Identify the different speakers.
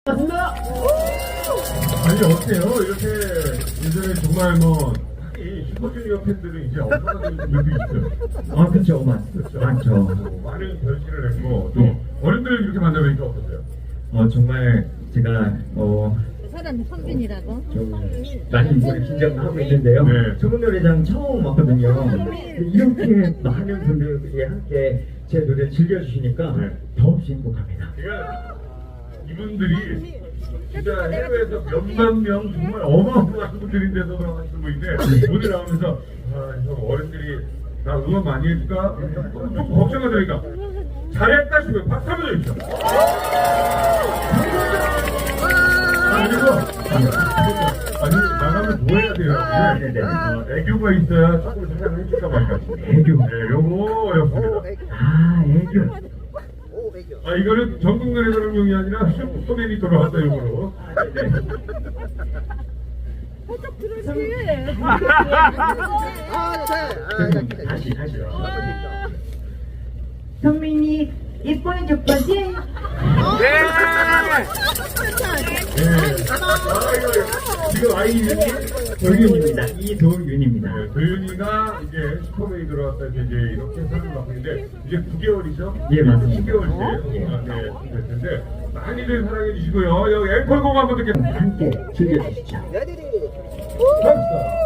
Speaker 1: 맞습니다.
Speaker 2: 아니 어때요? 이렇게 예전에 정말 뭐 이 슈퍼주니어 팬들은 이제 엄청난 분들도 있어요.
Speaker 1: 아 그렇죠, 많죠.
Speaker 2: 많은 변신을 했고 또 어른들을 이렇게 만나보니까 어떠세요?
Speaker 1: 정말 제가
Speaker 3: 사람 선빈이라고?
Speaker 1: 좀 많이 이번에 긴장하고 있는데요.
Speaker 2: 네.
Speaker 1: 소문 노래장 처음 왔거든요. 이렇게 많은 분들이 함께 제 노래를 즐겨주시니까
Speaker 2: 네.
Speaker 1: 더없이 행복합니다.
Speaker 2: 그러니까 이분들이 진짜 해외에서 몇만 명 정말 어마어마한 분들인데도 하시는 분인데 오늘 나오면서 형 어른들이 나 응원 많이 해줄까? 좀 걱정이 되니까 잘했다 싶어요. 박수 한번 해주시죠. 그리고 아니 나가면 뭐 해야 돼요? 애교가 있어야 조금 사랑을 해줄까 말까.
Speaker 1: 애교.
Speaker 2: 네, 요거였습니다.
Speaker 1: 아, 애교.
Speaker 2: 이거는 전국 노래자랑용이 아니라 소맨이 돌아왔다 용으로.
Speaker 3: 살짝 들어주지.
Speaker 1: 다시.
Speaker 4: 성민이 예뻐해줄 거지?
Speaker 2: 네. 지금 아이 이름이
Speaker 1: 도윤입니다. 이도윤입니다.
Speaker 2: 도윤이가 이제 슈퍼맨이 들어왔다 이제 이렇게 사는 것 같은데 이제 9개월이죠?
Speaker 1: 예, 맞습니다.
Speaker 2: 10개월째 될 텐데 많이들 사랑해 주시고요. 여기 앵콜곡 한번 듣겠습니다.
Speaker 1: 함께 즐겨주시죠.
Speaker 2: 감사합니다.